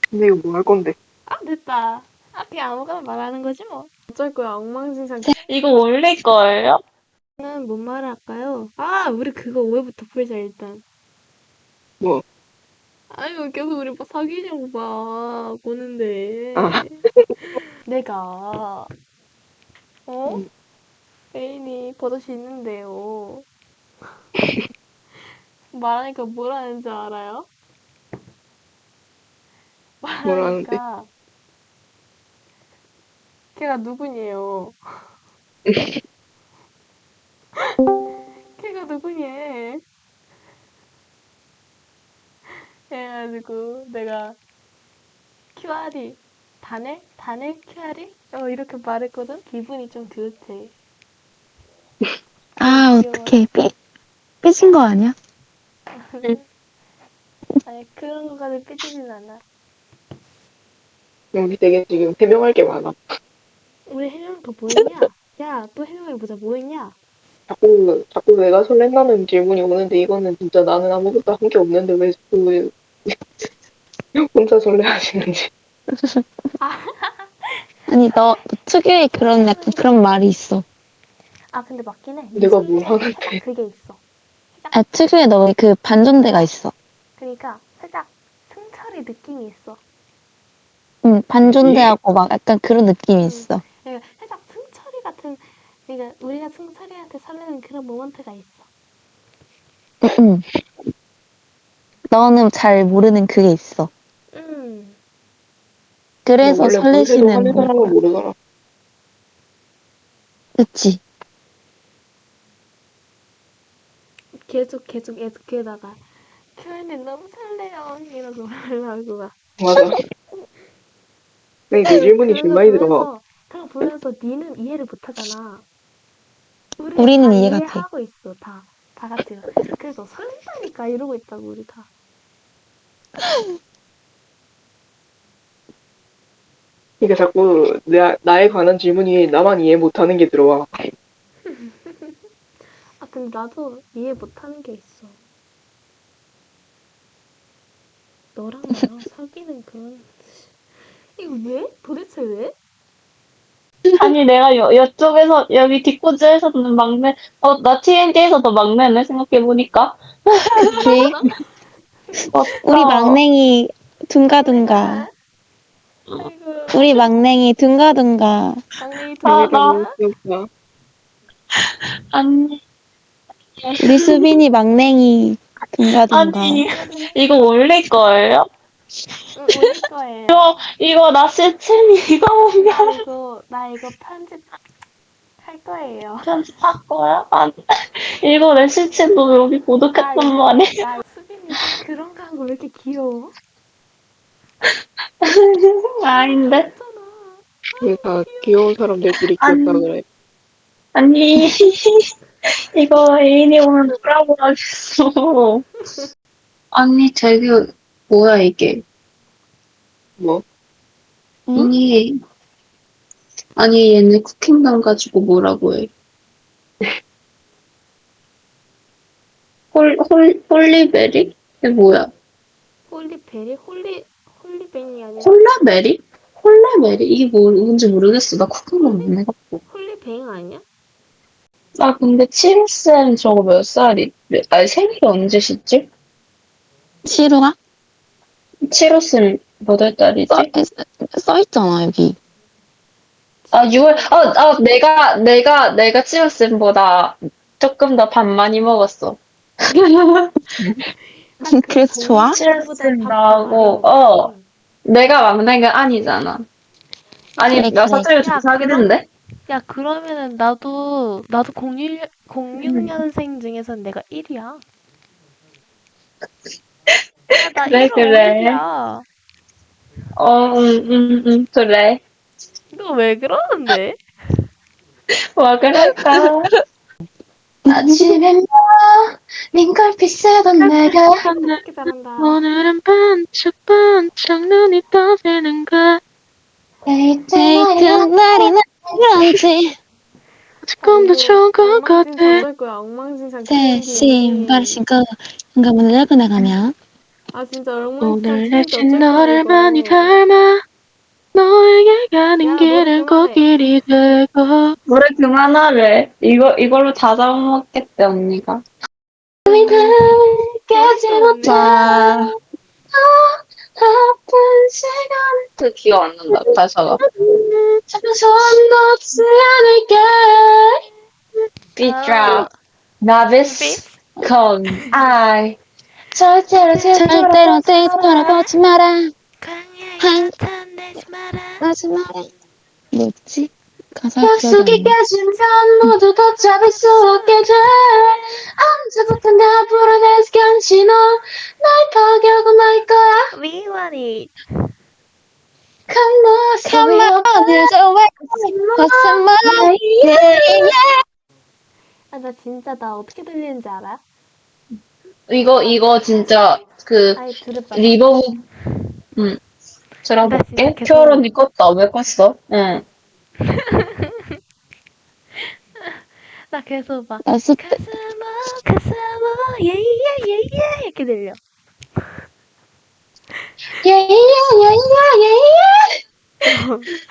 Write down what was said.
근데 이거 뭐 할 건데? 아, 됐다. 아, 그냥 아무거나 말하는 거지 뭐. 어쩔 거야, 엉망진창. 이거 올릴 거예요? 는 뭔 말을 할까요? 아, 우리 그거 오해부터 풀자, 일단. 뭐, 아니, 왜 계속 우리 뭐 사귀냐고 봐, 보는데. 아, 내가, 어? 음, 애인이 버젓이 있는데요. 말하니까 뭐라는지 알아요? 뭐라는데? 말하니까, 걔가 누구냐요? 걔가 누구냐? 해가지고, 내가, QR이, 단에 QR이? 이렇게 말했거든? 기분이 좀 그렇대. 아, 귀여워. 어떡해. 삐진 거 아니야? 아니, 그런 거까지 삐지진 않아. 우리 되게 지금 해명할 게 많아. 우리 해명 더 뭐 했냐? 야, 또 해명해보자. 뭐 했냐? 자꾸 내가 설렌다는 질문이 오는데 이거는 진짜 나는 아무것도 한 게 없는데 왜 자꾸 혼자 설레하시는지. 아니, 너 특유의 그런 약간 그런 말이 있어. 아, 근데 맞긴 해. 내가 뭘 살짝 하는데. 그게 있어. 아, 특유의 너의 그 반전대가 있어. 그러니까 살짝 승철이 느낌이 있어. 응, 반전대하고 막 약간 그런 느낌이 있어. 그러니까 살짝 승철이 같은, 그러니까 우리가 승철이한테 설레는 그런 모먼트가 있어. 응. 너는 잘 모르는 그게 있어. 그래서 원래 뭘 해도 설레시는 하는 걸 사람은 거야. 모르더라. 그치? 계속 그러다가 표현이 너무 설레요. 이러고 말하고 막. 맞아. 근데 그 질문이 좀 많이 들어가. 그거 보면서 니는 이해를 못하잖아. 우리는 우리는 다 이해가 돼. 이해하고 있어. 다 같이. 그래서 설렌다니까 이러고 있다고 우리 다. 그러니까 자꾸 나에 관한 질문이 나만 이해 못하는 게 들어와. 아, 근데 나도 이해 못하는 게 있어. 너랑 나랑 사귀는 그런. 이거 왜? 도대체 왜? 아니, 내가 이쪽에서, 여기 뒷구즈에서는 막내, 나 TND에서도 막내네, 생각해보니까. 그치? 우리 맞다. 막냉이 둥가둥가. 막내가. 아이고. 우리 막냉이 둥가둥가. 막내기 재미가 너무 동가. 귀엽다. 아니, 우리 수빈이 막냉이 둥가둥가. 아니, 동가동가. 이거 올릴 거예요? 응, 올릴 거예요. 이거 나 시체니, 이거 보면 나 이거 편집할 거예요. 편집할 거야? 아니, 이거 내 시체도 여기 야, 고독했단 이거, 말이야. 야, 수빈이 그런 거 하고 왜 이렇게 귀여워? 너무 아닌데? 귀엽잖아. 그러니까 귀여운 사람들끼리 귀엽다 아니, 그래. 아니, 이거 애인이 오면 뭐라고 하겠어. 아니, 되게, 뭐야, 이게. 뭐? 응? 아니, 얘네 쿠킹당 가지고 뭐라고 해. 홀리베리? 이게 뭐야? 홀리베리? 홀리베리 아니라 콜라베리? 콜라베리? 이게 뭔지 모르겠어. 나 쿠킹당 안 해갖고. 홀리뱅 아니야? 아, 근데 7쌤 저거 몇 살이, 생일이 언제시지? 시루가? 7호쌤 몇 월 달이지? 써있잖아, 여기. 아, 6월, 내가 7호쌤보다 조금 더 밥 많이 먹었어. 아, 그 그래서 좋아? 동생보다 칠순 밥 더 많이 나오고, 먹었어. 내가 막내가 아니잖아. 아니, 그래, 나 그래. 사실 좀 야, 사귀는데? 야, 그러면은 나도 06년생 중에선 내가 1이야. 야, 나 그래, 1호 그래. 5일이야. 그래. 너 왜 그러는데? 와, 그럴까? 아침엔 링걸빛 쓰던 내가 어떻게 잘한다. 오늘은 반짝반짝 눈이 떠지는가. 데이트 데이트 날이나 그런지. 조금 더 좋은 것 같아. 어쩔 거야. 엉망진창 새 신발 신고 현관문을 열고 나가면 아 진짜 얼마나 오늘 진짜 내친 어쩔 거야, 너를 이거. 많이 닮아 너에게 야, 가는 노래 길은 그만해. 꽃길이 되고 노래 그만하래. 이걸로 다 잡아먹겠대, 언니가. 깨지 없네. 못한 아픈 시간 그 기억 안 난다, 가사가. 잠깐 손 놓지 않을게 Beat 아, drop, novice, con, I. 절대로 뒤돌아보지 마라 광야에 나타내지 마라. 하지 마라 뭐였지? 가사 약속이 깨지면 모두 다 잡을 수 없게 돼 언제부턴가 불어내서 간지 넌날 포기하고 말 거야 We want it. Come on, there's a way What's a more yeah. 아, 나 진짜 나 어떻게 들리는지 알아요? 이거 진짜, 아예 들어봐. 리버브, 나 들어볼게. 진짜 계속- 큐얼 언니 껐다. 왜 껐어? 응. 나 계속 막 연습 때 가슴아 예예예예 이렇게 들려. yeah, yeah, yeah, yeah, yeah.